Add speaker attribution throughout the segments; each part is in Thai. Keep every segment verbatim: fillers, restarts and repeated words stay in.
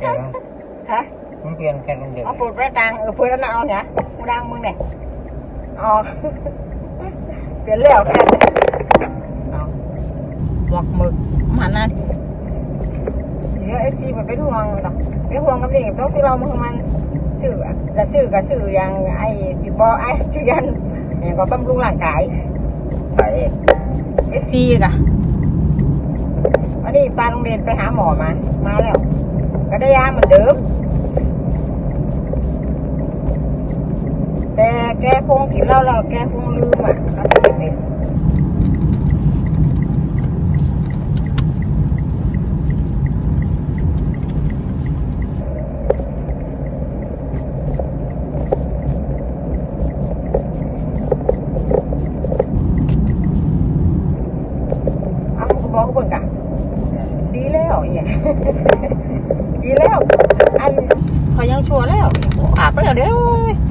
Speaker 1: ฮะ
Speaker 2: มันเปลี่ยนกันเดี๋ยว
Speaker 1: เอาปูดไปตังเออปูดแล้วเอาเนี่ยกูดังมึงเนี่ยอ๋อเปลี่ยนแล้วแค่เอาหมวกหมึกมันนั่นเยอะเอฟซีมันไปทวงหรอกไปทวงกับนี่ต้องที่เรามันมันชื่อและชื่อกับชื่ออย่างไอ้ติบอไอ้ชื่อยันอย่างก็บำรุงร่างกาย
Speaker 2: ไป
Speaker 1: เอฟซีกะวันนี้ปาโรงเรียนไปหาหมอมามาแล้วก็ได้ยาเหมือนเดิมแต่แกคงกินเหล้าแล้วแกคงลืมอ่ะเขาจะเป็นเอาคุณบอกคุณกะดีแล้วเนี่ยดีแล้วอันเขายังชัวร์แล้วอาบไปแล้วเด้อ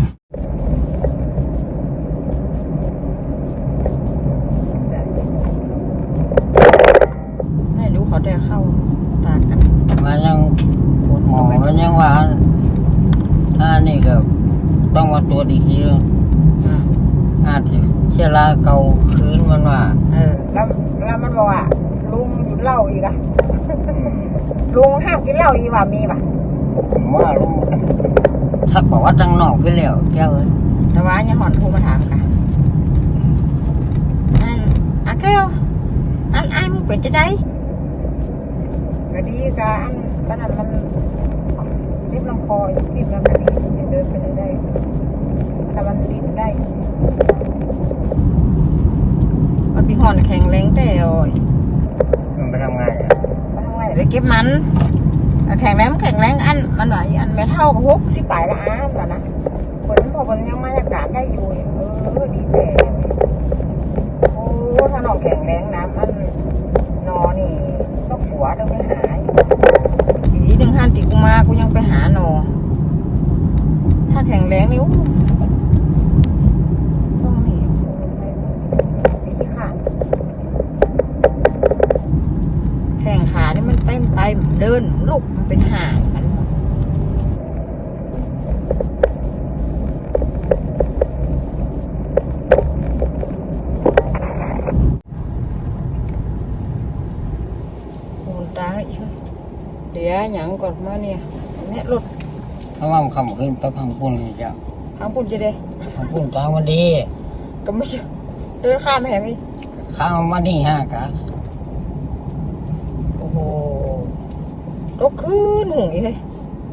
Speaker 1: ไม่รู้เขาได้เข้าตากัน
Speaker 2: มันยังหมอมันยังว่าถ้านี่ก็ต้องมาตรวจอีกทีนึงอาจจะเชื้อราเก่าคืนมันว่า
Speaker 1: เออแล้วแล้วมันบอกว่าลุงหยุดเหล้าอีกอะลุงห้ามกินเหล้าอีกว่ามีป่ะ
Speaker 2: ว่าลุงถ้าบอกว่าจังนอกขึ้นแล้วแก้วเลย
Speaker 1: แต่ว่ายังหอนทูมาถามกันอันอ่ะแก้วอันอันเป็นจะได้ก็ดีกันอันตอนนั้นมันรีบลำคอรีบลำคอเดินไปได้แต่มันรีบได้มันปีหอนแข็งแรงแต่โอ้ย
Speaker 2: มันไปทำงานอ่ะ
Speaker 1: ไปทำงานไปเก็บมันแข็งแรงแข็งแรงอันมันไหวอันไม่เท่ากับหกสิบปลายละอ้ามแต่นะคนพอคนยังมาจากการได้อยู่เออดีแต่โอ้ถ้าน้องแข็งแรงนะมันนอนี่ต้องหัวต้องไปหาผีหนึ่งหันติกูมากูยังไปหานอถ้าแข็งแรงนี่ต้องนี่ดีค่ะแข้งขานี่มันเต้นไปเดินลุกมันเป็นห่างมันตาอีกเดี๋ยวหยังก่อนมาเนี่ยเนี่ยรถ
Speaker 2: ถ้าว่ามันคำขึ้นไปพังปุ่นเลยจ้ะ
Speaker 1: พังปุ่นจะได้
Speaker 2: พังปุ่นตางมันดี
Speaker 1: ก็ไม่ใช่เดินข้ามแหม
Speaker 2: ข้ามมานี่ฮะกะ
Speaker 1: โอ้โหรถขึ้นหุ่งอีกเลย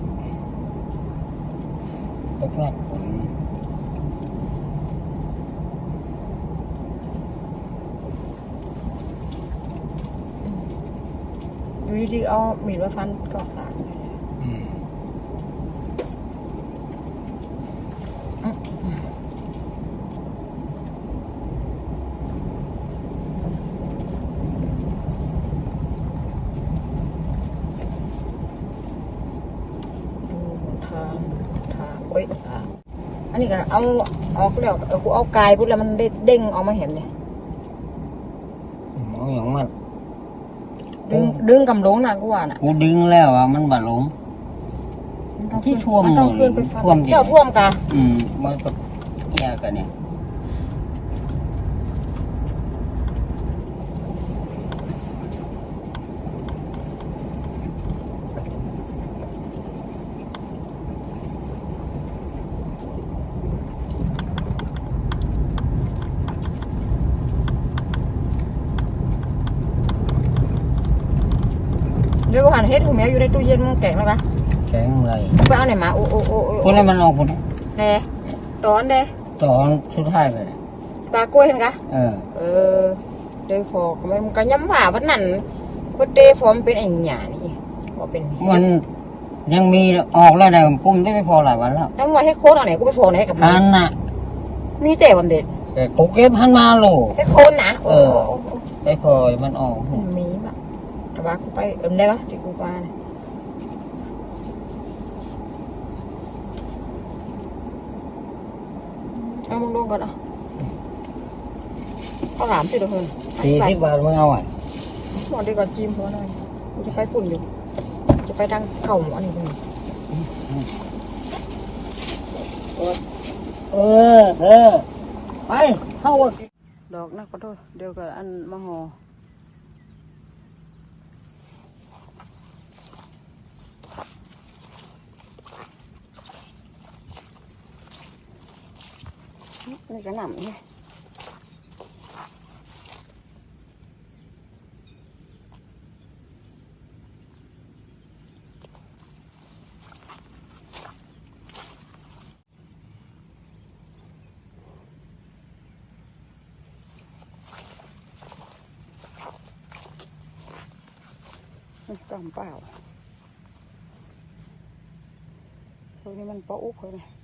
Speaker 2: ตกหนัก
Speaker 1: อยู่ดีๆเอามีดมาฟันกอกสารอันนี้ก็เอาเอาเรียกกูเอากายพูดแล้วมันเด้งออกมาเห็นเนี่ย
Speaker 2: มองอย่างมัน
Speaker 1: ดึงดึงกำลงนะกูว่าน่ะ
Speaker 2: กูดึงแล้วอ่ะมันบาดลงที่ท่วม
Speaker 1: ท่วมเจ้าท่วมกัน
Speaker 2: อืมมันก็แย่กันเนี่ย
Speaker 1: เดี๋ยวกูหันเฮ็ดหูแมวอยู่ในตู้เย็นมึงแกงแล้วกัน
Speaker 2: แกงอะไร
Speaker 1: ไปเอาไหนมาโอ้โอ้โอ้
Speaker 2: พวกนั้นมันออกหมดเลย
Speaker 1: แน่ตอนเด้
Speaker 2: ตอนสุดท้ายเลย
Speaker 1: ปลากล้วยเห็นกะ
Speaker 2: เออ
Speaker 1: เออเดี๋ยวฟอกมันก็ย้ำว่าวันนั้นก็เดฟอมเป็นไอ้หยานี่ก็เป็น
Speaker 2: มันยังมีออกแล้วนะปุ้มได้ไม่พอหลายวันแล้ว
Speaker 1: แล้วว่าให้โค้ดเอาไหนกูไปโฟนให้กับ
Speaker 2: มันน่ะ
Speaker 1: มีแต่วันเด็ด
Speaker 2: แต่กูเก็บพันมาโล
Speaker 1: ให้โค้ดนะ
Speaker 2: เออได้พอมันออก
Speaker 1: มีแบบแต่ว่ากูไปเอ็มได้ก็ที่กูไปเอามึงลงก่อนอ่ะข้าวหลามสิเดี๋ยวเพิ่น
Speaker 2: สี่สิบบาทมึงเอาอ่ะ
Speaker 1: หมดดีกว่าจิ้มหัวหน่อยกูจะไปฝุ่นอยู่จะไปทางเข่าหมอนี่คุณ
Speaker 2: เออเออไปเข้า
Speaker 1: ดอกนะขอโทษเดี๋ยวกับอันมะฮอนี่ก็หนำเนี่ยกำเปล่าตรงนี้มันปะอุกเลย